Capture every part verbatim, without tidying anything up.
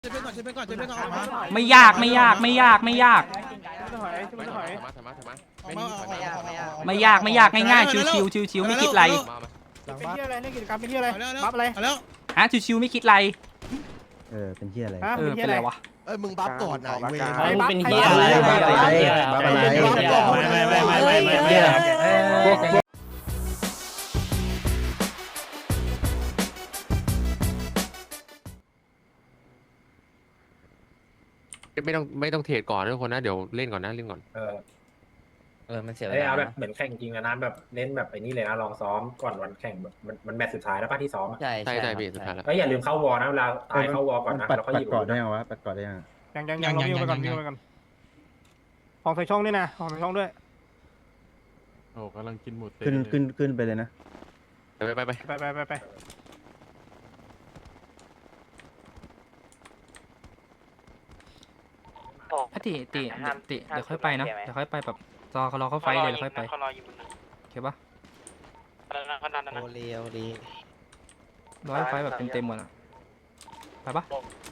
เช็คก่อนเช็คก่อนเช็คก่อนออกมาไม่ยากไม่ยากไม่ยากไม่ยากไม่ยากไม่ยากง่ายๆชิวๆชิวๆไม่คิดไรเป็นที่อะไรเล่นกิจกรรมเป็นที่อะไรบัฟอะไรแล้วฮะชิวๆไม่คิดไรเออเป็นที่อะไรเออเป็นไรวะเอ้ยมึงบัฟก่อนนะเว้ยมึงเป็นที่อะไรบัฟอะไรบัฟอะไรไม่ไม่ไม่ไม่ไม่ไม่ไม่ต้องไม่ต้องเทรดก่อนทุกคนนะเดี๋ยวเล่นก่อนนะเล่นก่อนเออเออมันเสียเวเอ้ยลาเอาแบบเหมือนแข่งจริงนะแบบเน้นแบบไอ้นี่เลยนะลองซ้อมก่อนวันแข่งแบบมันมันแมตช์สุดท้ายแล้วป่ะที่ซ้อมอะใช่ใช่ใช่พี่สุดท้ายแล้วก็อย่าลืมเข้าวอลนะเวลาตายเข้าวอลก่อนนะปัดแล้วก็ปัหดยิบก่อนได้ยังวะปัดก่อนได้ยังยังยังยังเราวิ่งไปก่อนวิ่งไปก่อนของใส่ช่องด้วยนะของใส่ช่องด้วยโอ้กำลังกินหมูเต๊ะขึ้นขึ้นขึ้นไปเลยนะไปไปไปไปไปไปไปพติติติเดี๋ยวค่อยไปนะเดี๋ยวค่อยไปแบบรอเขารอเขาไฟเลยแล้วค่อยไปโอเคปะโอเลียวดีร้อยไฟแบบเต็มๆหมดอ่ะไปปะ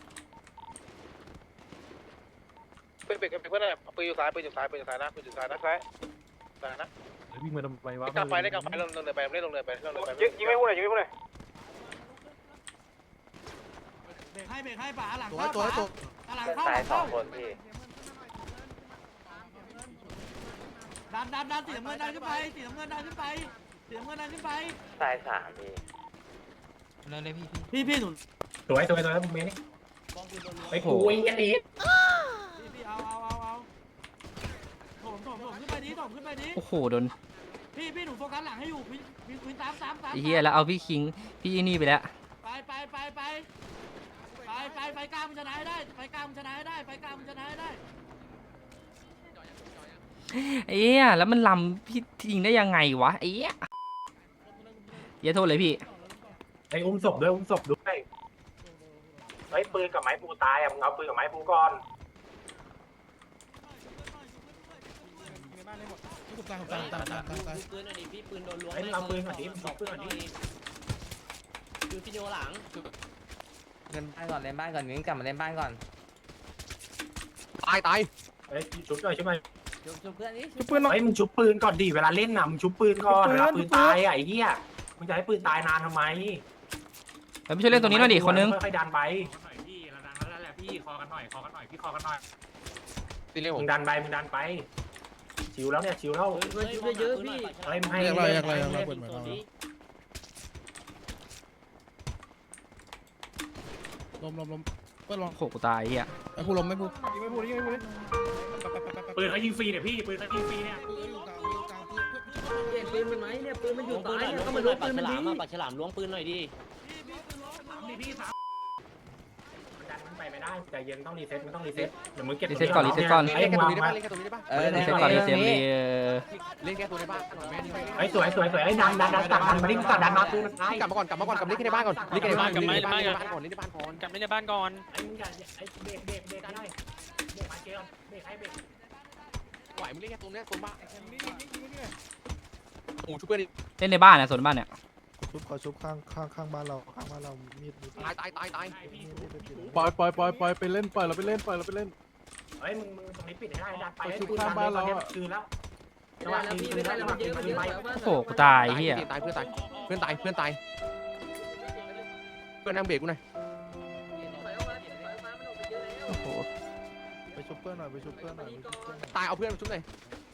เป็นเป็นเป็นเพื่อนอะไรปืนอยู่ซ้ายปืนอยู่ซ้ายปืนอยู่ซ้ายนะปืนอยู่ซ้ายนะซ้ายซ้ายนะวิ่งมาทำไมวะเล่นกลางไฟเล่นกลางไฟลงลงเลยไปเล่นลงเลยไปลงเลยไปยิงไม่พูดเลยยิงไม่พูดเลยเบรกให้เบรกให้ป่าหลังตัวเข้าตัวป่าตัวหลังเข้าหลังเข้าดันดันดันสีน้ำเงินดันขึ้นไปสีน้ำเงินดันขึ้นไปสีน้ำเงินดันขึ้นไปสายสามพี่เร็วเลยพี่พี่พี่หนุนสวยสวยสวยแล้วมึงเมนี่ไปคุยกันดีพี่พี่เอาเอาเอาเอาถมถมถมขึ้นไปดิถมขึ้นไปดิโอ้โหโดนพี่พี่หนูโฟกัสหลังให้อยู่พี่พี่พี่ตามตามตามไอ้เหี้ยแล้วเอาพี่คิงพี่นี่ไปแล้วไปไปไปไปไปไปไปกลางมันชนะให้ได้ไปกลางมันชนะให้ได้ไปกลางมันชนะให้ได้ไอ้เหี้ยแล้วมันลำพี่ยิงได้ยังไงวะไอ้เหี้ยอย่าโทษเลยพี่ไอ้อุ้มศพด้วยอุ้มศพด้วยไอ้ปืนกับไม้ปูตายอ่ะมึงเอาปืนกับไม้ปูก่อนตายตายตายตายตายปืนหน่อยดิพี่ปืนโดนล้วงไอ้มึงเอาปืนก่อนดิมึงเอาปืนก่อนดิดูพี่โยหลังเล่นบ้านก่อนเล่นบ้านก่อนงั้นกลับมาเล่นบ้านก่อนตายตายไอ้ชุบหน่อยชุบหน่อยจุบจุบเพื่อนนี่ชุบปืนน้องไอ้มึงชุบปืนก่อนดิเวลาเล่นน่ะมึงชุบปืนก่อนเวลาปืนตายอ่ะไอ้เหี้ยมึงจะให้ปืนตายนานทำไมไปช่วยเล่นตรงนี้หน่อยดิคนนึงค่อยๆดันไปพี่เราดังแล้วแหละพี่คอกันหน่อยคอกันหน่อยพี่คอกันหน่อยตีเร็วมึงดันไปมึงดันไปชิวแล้วเนี่ยชิวแล้วเพื่อนชุบเยอะพี่เฮ้ยมึงให้เรียกอะไรเล่นเรียกอะไรเรียกอะไรเปิดมาลมลมลมเปิดลมโอ้โหกูตายไอ้เหี้ยไอ้ผู้ลมไม่ผู้ยิงไม่พูดยิงไม่พูดปืนเขายิงฟรีเนี่ยพี่ปืนเขายิงฟรีเนี่ยปืนมันไหมเนี่ยปืนมันอยู่ตายเนี่ยก็มาล้วงปืนมันดิปากฉลามล้วงปืนหน่อยดิพี่สามมันดันมันไปไม่ได้ใจเย็นต้องรีเซ็ตมันต้องรีเซ็ตเดี๋ยวมึงเก็บรีเซ็ตก่อนรีเซ็ตก่อนไอ้มึงวางมาเล่นแค่ตรงนี้ได้ปะรีเซ็ตก่อนรีเซ็ตรีเล่นแค่ตัวในบ้านไอ้สวยสวยสวยไอ้ดันดันดันตัดดันมาดิตัดดันมาปืนมันตายกลับมาก่อนกลับมาก่อนกลับเล่นแค่ในบ้านก่อนเล่นแค่ในบ้านกลับเล่นในบ้านก่อนเล่นในบ้านก่อนกลับเล่นในบ้านก่อนไอ้มึงอย่าไอ้เบรกเบรกเบรกได้เบรกมาเกลเบรกให้เบรกไหวมึงเล่นแค่ตรงเนี้ยตรงบ้านโอ้ชุบเพื่อนเล่นในบ้านนะส่วนบ้านเนี่ยชุบขอชุบข้างข้างข้างบ้านเราข้างบ้านเรามีดมีดตายตายตายตายปล่อยปล่อยปล่อยปล่อยไปเล่นปล่อยเราไปเล่นปล่อยเราไปเล่นเฮ้ยมึงมึงตรงนี้ปิดให้ได้ดันไปไปให้ชุบปืนข้างบ้านเราอะคืนแล้วจังหวะคืนคืนแล้วจังหวะคืนคืนไปโอ้โหกูตายไอ้เหี้ยตายเพื่อนตายเพื่อนตายเพื่อนตายเพื่อนนั่งเบรกกูหน่อยโอ้โหไปชุบเพื่อนหน่อยไปชุบเพื่อนหน่อยตายเอาเพื่อนมาชุบหน่อย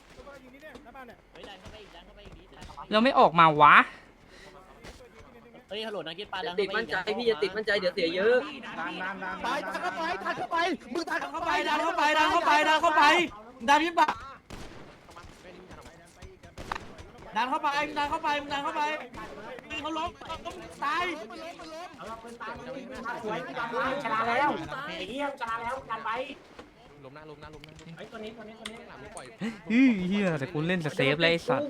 เราไม่ออกมาวะเฮ้ยฮัลโหลนักกีฬาติดมั่นใจพี่จะติดมั่นใจเดี๋ยวเสียเยอะไปทันเข้าไปทันเข้าไปมึงทันดันเข้าไปดันเข้าไปดันเข้าไปดันเข้าไปดันขึ้นไปดันเข้าไปดันเข้าไปดันเข้าไปยิงเขาล้มตายเออปืนตายมันปืนมาสวยดันไปชนะแล้วไอ้เหี้ยชนะแล้วดันไปล้มหน้าล้มหน้าล้มหน้าไอ้ตัวนี้ตัวนี้ตัวนี้หลังปล่อยเหี้ยแต่กูเล่นเซฟเลยไอ้สัตว์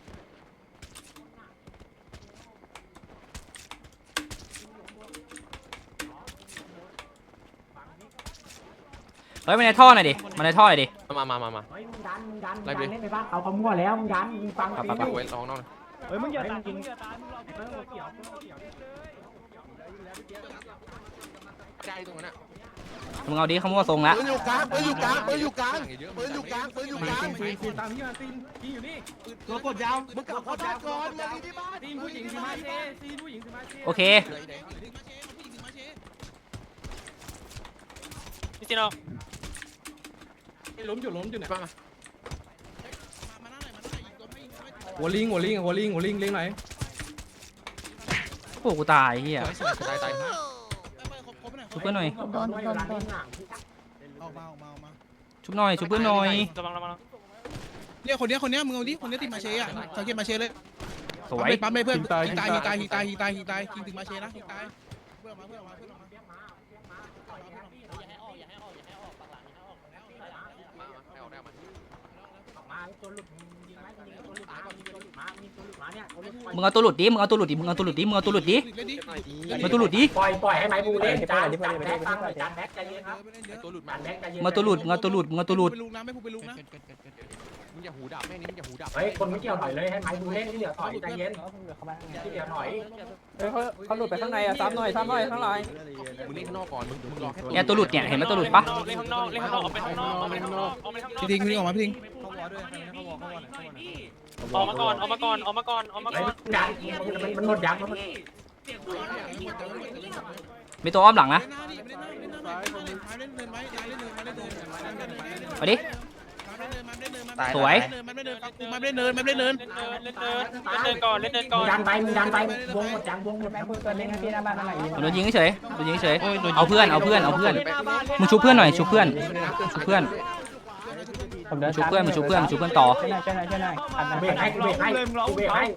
เฮ้ยมาในท่อหน่อยดิมาในท่อหน่อยดิมามามามาเฮ้ยมึงดันมึงดันมึงดันเล่นไปบ้างเขาเขามั่วแล้วมึงดันมึงฟังไปไปไว้ลองน้องเฮ้ยมึงอย่าตัดยิงใจตรงนั้นอ่ะมึงเอาดิเขามั่วทรงละปืนอยู่กลางปืนอยู่กลางปืนอยู่กลางปืนอยู่กลางปืนอยู่กลางตัวกดยาวมึงกลับเข้าบ้านก่อนมาที่บ้านตีนผู้หญิงสิมาเชตีนผู้หญิงสิมาเชโอเคพี่จีโน่ล้มอยู่ล้มอยู่ไหนหัวลิงหัวลิงหัวลิงหัวลิงเลี้ยงไหนโอ้กูตายเฮียชุบเพื่อนหน่อยโดนโดนโดนออกมาออกมาออกมาชุบหน่อยชุบเพื่อนหน่อยระวังระวังเนี่ยคนเนี้ยคนเนี้ยมึงเอาดิคนเนี้ยติดมาเชอ่ะสังเกตมาเชเลยสวยปั๊มเลยเพื่อนยิงตายยิงตายยิงตายยิงตายยิงตายยิงถึงมาเชนะยิงตายเพื่อนมาเพื่อนมาเพื่อนมามึงเอาตัวหลุดดิมึงเอาตัวหลุดดิมึงเอาตัวหลุดดิมึงเอาตัวหลุดดิมึงเอาตัวหลุดดิปล่อยปล่อยให้ไม้ปูเล่นจานจานแบ็คตั้งเลยจานแบ็คใจเย็นครับตัวหลุดมันแบ็คใจเย็นมึงเอาตัวหลุดมึงเอาตัวหลุดมึงเอาตัวหลุดไปลุกนะไม่พูดไปลุกนะมึงอย่าหูดับแม่นี้มึงอย่าหูดับเฮ้ยคนไม่เกี่ยวถอยเลยให้ไม้ปูเล่นที่เหลือถอยใจเย็นที่เหลือถอยเขาเขาหลุดไปข้างในอ่ะซ้ำหน่อยซ้ำหน่อยข้างในมึงเล่นข้างนอกก่อนมึงมึงรอแค่เนี่ยตัวหลุดเนี่ยเห็นไหมตัวหลุดปะเล่นข้างนอกเล่นข้างนอกออกไปข้างนอกออกไปข้างนอกออกไปข้างนอกพี่ทิ้งพี่ทิ้งออกมาพี่ทิ้งออกมาก่อนออกมาก่อนออกมาก่อนออกมาไอ้ก่อนดันมันหมดยังมันมีตัวอ้อมหลังนะเล่นหน้าดิเล่นหน้าเล่นหน้าเล่นเนินไว้เล่นเนินไว้เล่นเนินไว้เล่นเนินมาดิ สวยมันไม่เนินมันไม่เนินมันไม่เนินเล่นเนินเล่นเนินเล่นเนินก่อนเล่นเนินก่อนดันไปมึงดันไปวงหมดยังวงหมดโดนยิงเฉยโดนยิงเฉยเอาเพื่อนเอาเพื่อนเอาเพื่อนมึงชุบเพื่อนหน่อยชุบเพื่อนชุบเพื่อนมึงชุบเพื่อนมึงชุบเพื่อนมึงชุบเพื่อนต่อเบรกให้กูเบรกให้กูเบรกให้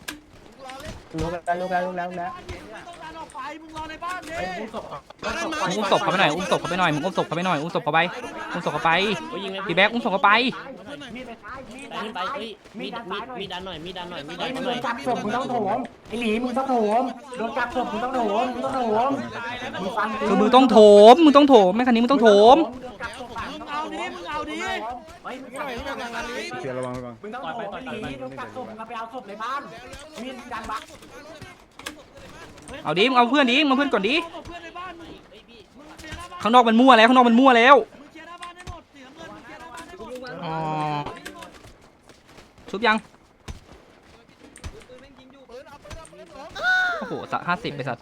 มึงรอในบ้านดิมึงอุ้มศพเขาไปหน่อยอุ้มศพเขาไปหน่อยมึงอุ้มศพเขาไปหน่อยอุ้มศพเขาไปอุ้มศพเขาไปพี่แบ๊กอุ้มศพเขาไปขึ้นไปเฮ้ยมีดมีดมีดันหน่อยมีดันหน่อยมีดัไอ้นมึงหโดน่อยนจับศพมึงต้องโถมไอ้หลีมึงต้องโถมโดนจับศพมึงต้องโถมมึงต้องโถมมึงฟังคือมึงต้องโถมมึงต้องโถมแม่คันนี้มึงต้องโถมมึงเอาดิมึงเอาดิเฮ้ยมึงต้องเดี๋ยวระวังระวังมึงต้องโถมไอ้หลีโดนจับศพมึงไปเอาศพในบ้านมีดันบักเอาดิมึงเอาเพื่อนดิมึงเอาเพื่อนก่อนดิเพื่อนในบ้านมึงมึงเคลียร์หน้าบ้านข้างนอกมันมั่วแล้วข้างนอกมันมั่วแล้วมึงเคลียร์หน้าบ้านให้หมดสีน้ำเงินมึงเคลียร์หน้าบ้านให้หมดอ๋อชุบยังโอ้โหสักห้าสิบไปสัตว์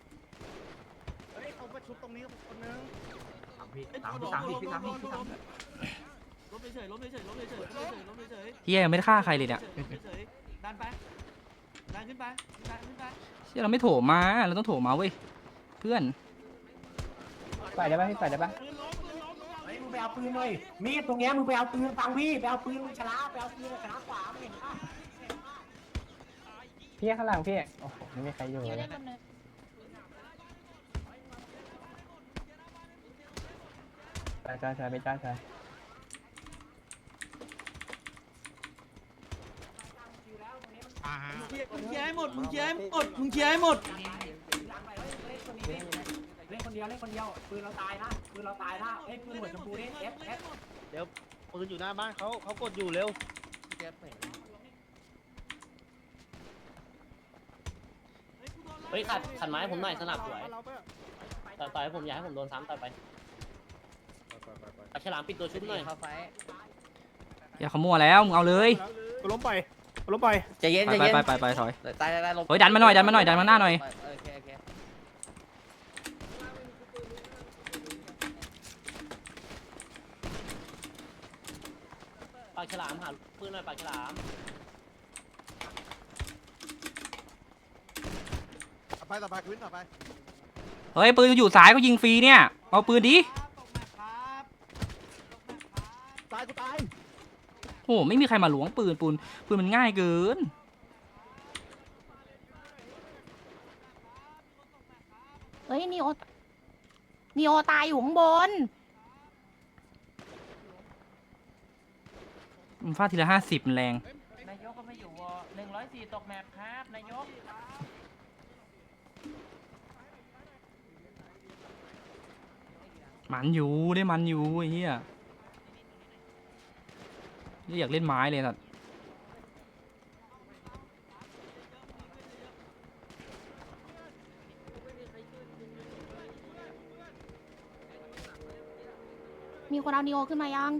สามสามสี่สามสี่สามล้มเฉยๆล้มเฉยๆล้มเฉยๆล้มเฉยๆล้มเฉยๆเฮียยังไม่ได้ฆ่าใครเลยเนี่ยดันไปดันขึ้นไปดันขึ้นไปเฮียเราไม่โถมมาเราต้องโถมมาเว้ยเพื่อนใส่ได้ป่ะพี่ใส่ได้ป่ะปืนล้มปืนล้มเฮ้ยมึงไปเอาปืนเลยมีดตรงเนี้ยมึงไปเอาปืนฟังพี่ไปเอาปืนมึงชนะไปเอาปืนชนะขวามึงเห็นปะพี่ข้างหลังพี่โอ้โหไม่มีใครอยู่เลยใช่ใช่ใช่ไม่ใช่ใช่มึงเคลียร์ให้หมดมึงเคลียร์ให้หมดมึงเคลียร์ให้หมดเล่นคนเดียวเล่นคนเดียวปืนเราตายนะปืนเราตายนะเอ้ยปืนหัวชมพูนี่เอฟเอฟปืนอยู่หน้าบ้านเขาเขากดอยู่เร็วเฮ้ยขัดขัดไม้ผมหน่อยสนับสวยต่อยต่อยให้ผมอย่าให้ผมโดนซ้ำต่อยไปเอาฉลามปิดตัวชุบหน่อยอย่าเขามั่วแล้วมึงเอาเลยกูล้มไปกูล้มไปใจเย็นไปใจไปเย็นไปไปไปถอยตายตายตายลงเฮ้ยดันมาหน่อยดันมาหน่อยดันมาหน้าหน่อยโอเคโอเคปากฉลามหาปืนหน่อยปากฉลามไปต่อไปขึ้นต่อไปเฮ้ยปืนอยู่ซ้ายก็ยิงฟรีเนี่ยเอาปืนดิตายกูตายโอ้ไม่มีใครมาหลวงปืนปืนปืนมันง่ายเกินเฮ้ยนีโอนีโอตายอยู่ข้างบนมันฟาดทีละห้าสิบมันแรงนายกก็ไม่อยู่วอหนึ่งร้อยสี่ตกแมปครับนายกมันอยู่ได้มันอยู่ไอ้เหี้ยอยากเล่นไม้เลยสัตว์มีคนเอานีโอขึ้นมายัง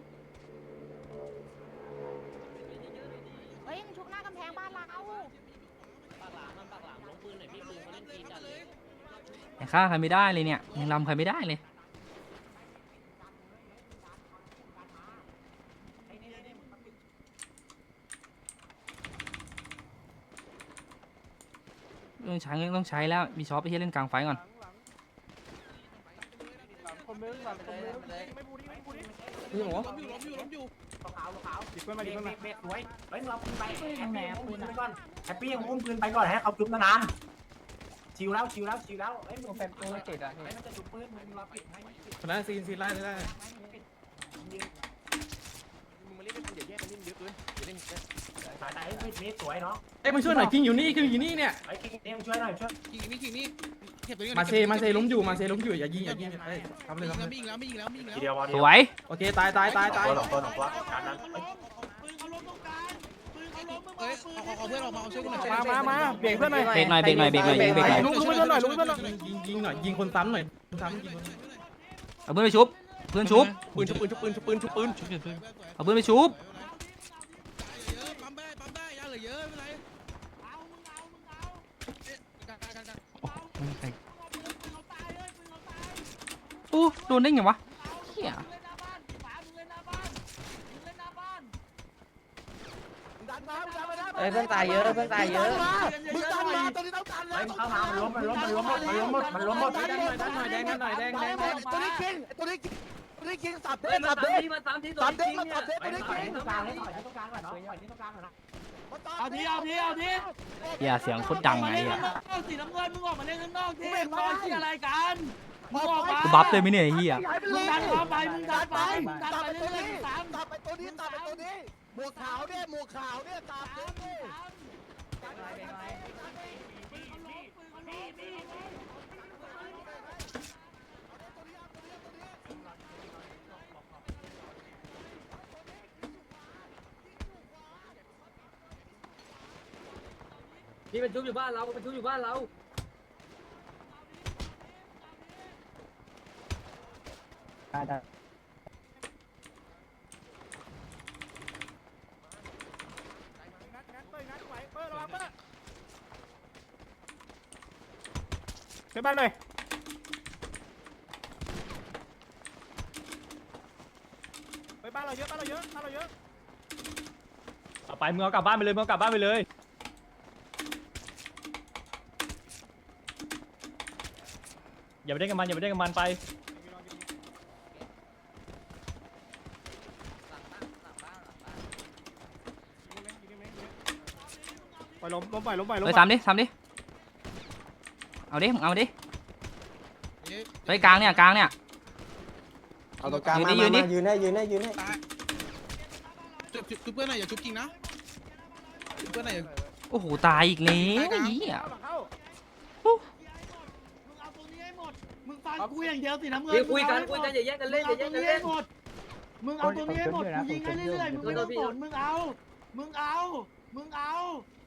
เฮ้ยมึงชุบหน้ากำแพงบ้านเราปากหลามมันปากหลามลงปืนหน่อยพี่ปืนเขาเล่นจีนจัดเลยยังฆ่าใครไม่ได้เลยเนี่ยยังรำใครไม่ได้เลยต้องใช้ต้องใช้แล้วมีช็อปไปที่เล่นกลางไฟก่อนคนนึงหลังคนนึงไม่บูดิไม่บูดิพี่หมูล้มอยู่ล้มอยู่ล้มอยู่ขาวขาวหยิบเพื่อนมาหยิบเพื่อนมาเบสสวยเฮ้ยเราปืนไปแฮปปี้อุ้มปืนก่อนแฮปปี้ยังอุ้มปืนไปก่อนให้เขาจุ๊บนานๆชิวแล้วชิวแล้วชิวแล้วเฮ้ยมึงเป็นตัวเจ็ดอ่ะเฮ้ยมันจะจุ๊บปืนมึงรอปิดให้คนนั้นซีนซีนไล่ไล่สายไหนเบสสวยเนาะเอ้ยมาช่วยหน่อยคิงอยู่นี่คิงอยู่นี่เนี่ยไอ้คิงเนี่ยช่วยหน่อยช่วยยิงนี่ยิงนี่เก็บตัวนี้มาเซมาเซล้มอยู่มาเซล้มอยู่อย่ายิงอย่ายิงเอ้ยทำเลยยิงทำแล้วเลยไม่ยิงแล้วไม่ยิงแล้วไม่ยิงแล้วทีเดียววันสวยโอเคตายตายตายตายตัวสองตัวสองตัวการนั้นปืนเขาล้มตรงกลางปืนเขาล้มมึงเอ้ยเอาเอาเพื่อนออกมาเอาช่วยกูหน่อยมามามาเบรกเพื่อนหน่อยเบรกหน่อยเบรกหน่อยเบรกหน่อยยิงเบรกหน่อยลุกลุกไปเพื่อนหน่อยลุกไปเพื่อนหน่อยยิงยิงหน่อยยิงคนซ้ำหน่อยคนซ้ำยิงคนเอาเพื่อนไปชุบเพื่อนชุบปืนชุบปืนชุบปืนชุบปืนชุบปืนเอาเพื่อนไปชุบเยอะปั๊มได้ปั๊มได้ยาเหลือเยอะไม่เป็นไรเอามึงเอามึงเอากันกันกันปืนเขาตายเลยปืนเขาตายโอ้โดนได้ไงวะเฮียมึงเล่นหน้าบ้านฝามึงเล่นหน้าบ้านมึงเล่นหน้าบ้านเอ้ยเพื่อนตายเยอะเพื่อนตายเยอะมึงดันมาตอนนี้ต้องดันเฮ้ยเข้ามามันล้มมันล้มมันล้มหมดมันล้มหมดมันล้มหมดแดงหน่อยแดงหน่อยแดงหน่อยแดงแดงแดงตัวนี้กินเฮ้ยมาสามทีมาสามทีตัวจริงเนี่ยไปต่อยที่ตรงกลางให้ต่อยที่ตรงกลางก่อนเนาะต่อยที่ตรงกลางก่อนนะเอาทีเอาทีเอาทีเฮียเสียงโคตรดังไงเล่นอ่ะข้างนอกสีน้ำเงินมึงออกมาเล่นข้างนอกทีมึงรอที่อะไรกันมึงออกมากูบัฟเลยไหมเนี่ยไอ้เฮียมึงดันเข้าไปมึงดันไปมึงดันไปเรื่อยๆสามตัดไปตัวนี้ตัดไปตัวนี้หมวกขาวเนี่ยหมวกขาวเนี่ยตัดเลยพี่เป็นชุบอยู่บ้านเราเป็นชุบอยู่บ้านเราไปบ้านหน่อยไปบ้านเราเยอะบ้านเราเยอะบ้านเราเยอะเอาไปมึงเอากลับบ้านไปเลยมึงเอากลับบ้านไปเลยอย่าไปเล่นกับมันอย่าไปเล่นกับมันไปปล่อยล้มล้มปล่อยล้มปล่อยล้มเฮ้ยซ้ำดิซ้ำดิเอาดิมึงเอาดิเฮ้ยกลางเนี่ยกลางเนี่ยเอาตรงกลางยืนมาดิยืนดิยืนได้ยืนได้ยืนได้จุบจุบเพื่อนหน่อยอย่าจุบจริงนะจุบเพื่อนหน่อยโอ้โหตายอีกแล้วไอ้เหี้ยมึงเอาตัวนี้ให้หมดมึงฟังกูอย่างเดียวสีน้ำเงินคุยกันคุยกันอย่าแย่งกันเล่นอย่าแย่งกันเล่นมึงเอาตัวนี้ให้หมดมึงยิงให้เรื่อยๆมึงไม่ต้องสนมึงเอามึงเอามึงเอา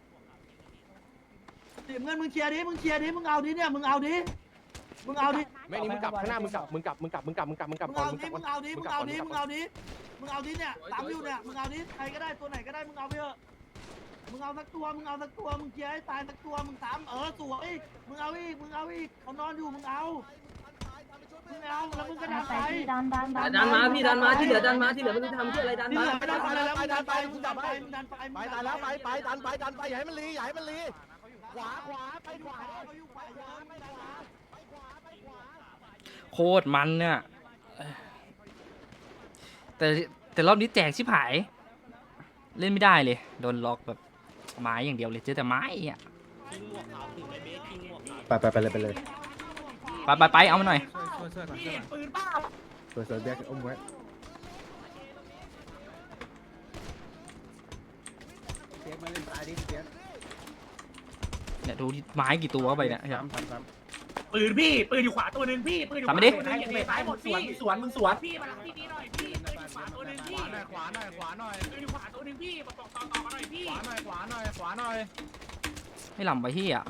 สีน้ำเงินมึงเคลียร์ดิมึงเคลียร์ดิมึงเอาดิเนี่ยมึงเอาดิมึงเอาดิแม่นี่มึงกลับข้างหน้ามึงกลับมึงกลับมึงกลับมึงกลับมึงกลับมึงกลับมึงก่อนเอามึงกดิลับมึงเอาดิมึงเอาดิมึงเอาดิมึงเอาดิเนี่ยตามอยู่เนี่ยมึงเอาดิใครก็ได้ตัวไหนก็ได้มึงเอาไปเถอะมึงเอาสักตัวมึงเอาสักตัวมึงเคลียร์ให้ตายสักตัวมึงสามเออสวยมึงเอาอีกมึงเอาอีกเขานอนอยู่มึงเอามึงเอาแล้วมึงก็ดันไปดันดันดันดันมาพี่ดันมาที่เหลือดันมาที่เหลือไม่รู้ทำที่อะไรดันนี่มาเหลือไม่ดันไปแล้วมึงดันไปมึงดันไปมึงดันไปไปตายแล้วไปไปดันไปดันไปอย่าให้มันรีอย่าให้มันรีขวาขวาไปขวาเขาอยู่ขวาเยอะไม่ได้ขวาโคตรมันเนี่ยแต่แต่รอบนี้แจกชิบหายเล่นไม่ได้เลยโดนล็อกแบบไม้อย่างเดียวเลยเจอแต่ไม้อ่ะไปไปไปเลยไปเลยไปไปไปเอามาหน่อยช่วยช่วยก่อนช่วยก่อนปืนเปล่าช่วยช่วยแบกอุ้มไว้เนี่ยดูดิไม้กี่ตัวเข้าไปเนี่ยครับปืนพี่ปืนอยู่ขวาตัวนึงพี่ปืนอยู่ขวาซ้ายหมดสวนสวนมึงสวนพี่มาหลังที่นี่หน่อยพี่ปืนอยู่ขวาตัวนึงพี่ขวาหน่อยขวาหน่อยปืนอยู่ขวาตัวนึงพี่มาต่อต่อต่อกันหน่อยพี่ขวาหน่อยขวาหน่อยขวาหน่อยไม่หล่ำไปที่อ่ะ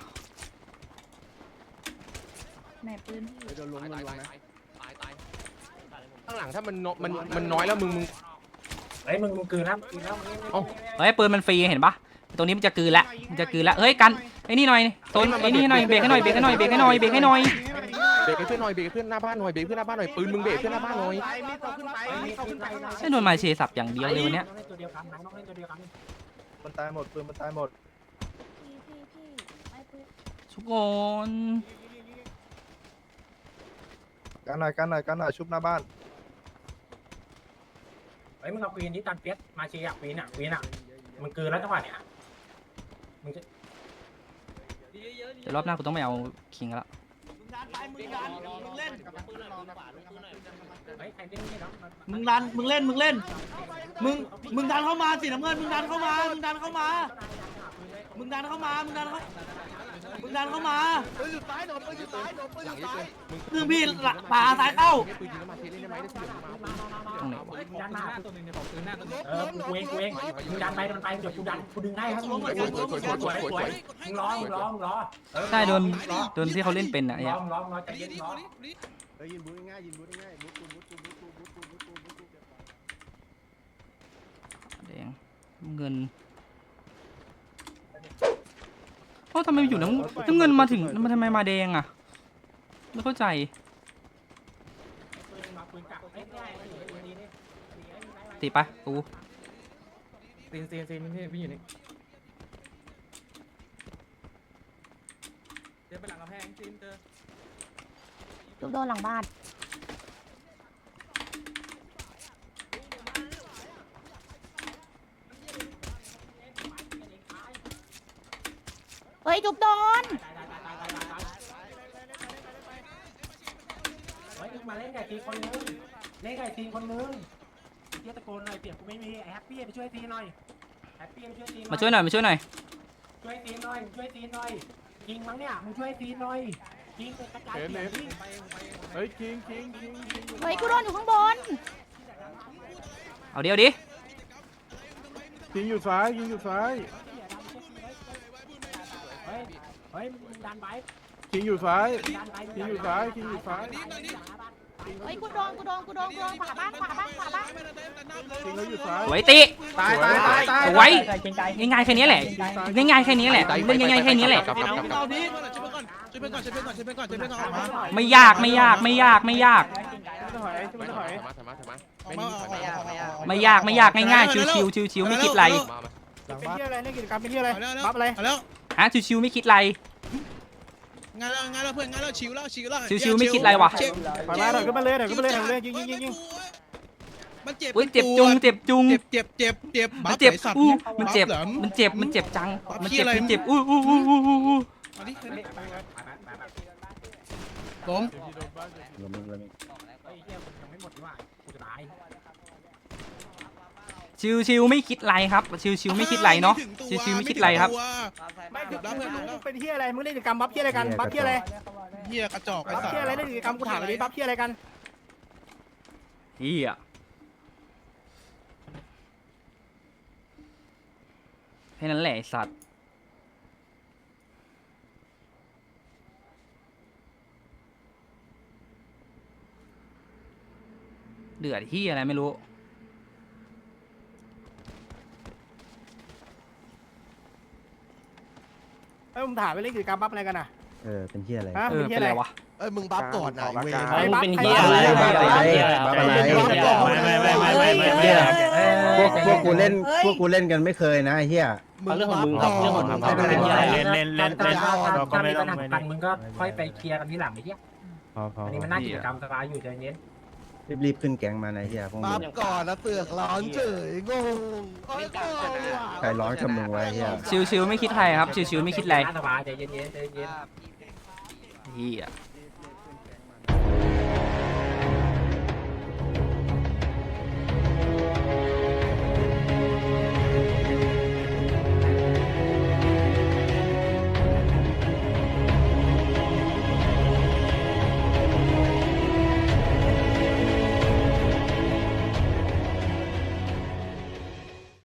แม่ปืนโดนลงลงนะตายตายข้างหลังถ้ามันมันมันน้อยแล้วมึงมึงเฮ้ยมึงมึงกืนแล้วกืนแล้วเฮ้ยปืนมันฟรีเห็นปะตรงนี้มันจะกลืนละมันจะกลืนละเฮ้ยกันไอ้นี่หน่อยโซนไอ้นี่หน่อยเบรกให้หน่อยเบรกให้หน่อยเบรกให้หน่อยเบรกให้หน่อยเบรกให้เพื่อนหน่อยเบรกให้เพื่อนหน้าบ้านหน่อยเบรกเพื่อนหน้าบ้านหน่อยปืนมึงเบรกเพื่อนหน้าบ้านหน่อยไอ้โดนมาเชสับอย่างเดียวเลยวันเนี้ยตัวเดียวกันน้องเล่นตัวเดียวกันมันตายหมดปืนมันตายหมดทุกคนกันหน่อยกันหน่อยกันหน่อยชุบหน้าบ้านเฮ้ยมึงเอาควีนที่ตันเปียสมาเชียร์ควีนอ่ะควีนอ่ะมึงกืนแล้วจังหวะเนี้ยมึงจะเดี๋ยวรอบหน้ากูต้องไม่เอาคิงละมึงดันไปมึงดันมึงเล่นเฮ้ยใครเล่นนี่เนาะมึงดันมึงเล่นมึงเล่นมึงมึงดันเข้ามาสิน้ำเงินมึงดันเข้ามามึงดันเข้ามามึงดันเข้ามามึงดันเข้ามึงดันเข้ามาคือพี่ป่าสายเข้าปืนยิงแล้วมาเทเล่นได้ไหมได้เสียงมาตรงไหนวะดันมาเออกูเองกูเองมึงดันไปมันไปเดี๋ยวกูดันกูดึงให้ครับมึงสวยสวยมึงร้องมึงร้องมึงร้องใช่โดนโดนที่เขาเล่นเป็นอ่ะร้เนี่อย งร้องร้องใจเย็นร้องเฮ้ยยินบูง่ายยินบูง่ายบูตูบูตูบูตูบูตูบูตูบูตูแดงเงินโอ้ทำไมอยู่น้ำน้ำเงินมาถึงมันทำไมมาแดงอ่ะไม่เข้าใจตีปะกูซีนซีนซีนพี่พี่อยู่นี่เดินไปหลังกำแพงซีนเจอจุบโดนหลังบ้านเฮ้ยจุบโดนเฮ้ยมาเล่นไก่ทีคนนึงเล่นไก่ทีคนนึงเฮียตะโกนหน่อยเปียกกูไม่มีแฮปปี้ไปช่วยทีหน่อยแฮปปี้ไปช่วยทีมาช่วยหน่อยมาช่วยหน่อยช่วยทีหน่อยช่วยทีหน่อยยิงมั้งเนี่ยมึงช่วยทีหน่อยยิงไปกระจายเสียงเฮ้ยคิงคิงคิงคิงเฮ้ยกูโดนอยู่ข้างบนเอาเดียวดิคิงอยู่ซ้ายคิงอยู่ซ้ายเฮ้ยเฮ้ยมึงดันไปคิงอยู่ซ้ายดันไปคิงอยู่ซ้ายคิงอยู่ซ้ายเฮ้ยกูโดนกูโดนกูโดนกูโดนขวาบ้านขวาบ้านขวาบ้านคิงเขาอยู่ซ้ายสวยติตายตายตายตายสวยง่ายๆแค่นี้แหละง่ายๆแค่นี้แหละเล่นง่ายๆแค่นี้แหละเอาดิช่วยเพื่อนก่อนช่วยเพื่อนก่อนช่วยเพื่อนก่อนช่วยเพื่อนก่อนช่วยเพื่อนก่อนออกมาไม่ยากไม่ยากไม่ยากไม่ยากถอยไม่ถอยถอยมาถอยมาถอยมาไม่ยากไม่ยากไม่ยากไม่ยากง่ายๆชิวๆชิวๆไม่คิดไรหลังเป็นบ้านที่อะไรเล่นกิจกรรมเป็นที่อะไรบัฟอะไรแล้วฮะชิวๆไม่คิดไรงานแล้วงานแล้วเพื่อนงานแล้วชิวแล้วชิวแล้วชิวๆไม่คิดอะไรวะถอยมาถอยขึ้นมาเลยถอยขึ้นมาเลยถอยขึ้นมาเลยยิงยิงยิงยิงมันเจ็บอุ้ยเจ็บจุงเจ็บจุงเจ็บเจ็บเจ็บเจ็บมันเจ็บอู้มันเจ็บมันเจ็บมันเจ็บจังมันเจ็บมันเจ็บอู้อู้อู้อู้อู้อู้อันนี้ล้มชิวชิวไม่คิดไรครับชิวชิวไม่คิดไรเนาะชิวชิวไม่คิดไรครับไม่คือเป็นที่อะไรมึงเล่นกิจกรรมบัฟที่อะไรกันบัฟที่อะไรเฮียกระจอกไอ้บัฟสัตที่อะไรว์เล่นกิจกรรมกูถามเลยบัฟที่อะไรกันเฮียแค่นั้นแหละไอ้สัตว์เดือดที่อะไรไม่รู้เอ้ยผมถามไปเล่นกิจกรรมบัฟอะไรกันอ่ะเออเป็นที่อะไรฮะเอเป็อนที่เป็นอะไรไรวะเอ้ยมึงบัฟก่อนนะเว้ยไอ้บัฟเป็นใครเฮียอะอะไรไรบัฟอะไรบัฟอะไรพวกพวกกูเล่นพวกกูเล่นกันไม่เคยนะเฮียเอาเรื่องของมึงครับเรื่องของมึงครับเป็นเฮียอะไรเล่นเล่นเล่นถ้ามีปัญหากันมึงก็ค่อยไปเคลียร์กันที่หลังไอ้เหี้ยพอพออันนี้มันน่ากิจกรรมสบายอยู่ใจเย็นรีบรีบขึ้นแก๊งมานะเฮียพวกมึบังฟก่อนแล้วเสือกร้อนเฉยงงใครร้อนกับมึงไว้เฮียชิวชิวไม่คิดไรครับชิวชิวไม่คิดไรสบายใจเย็นๆใจเย็นเฮีย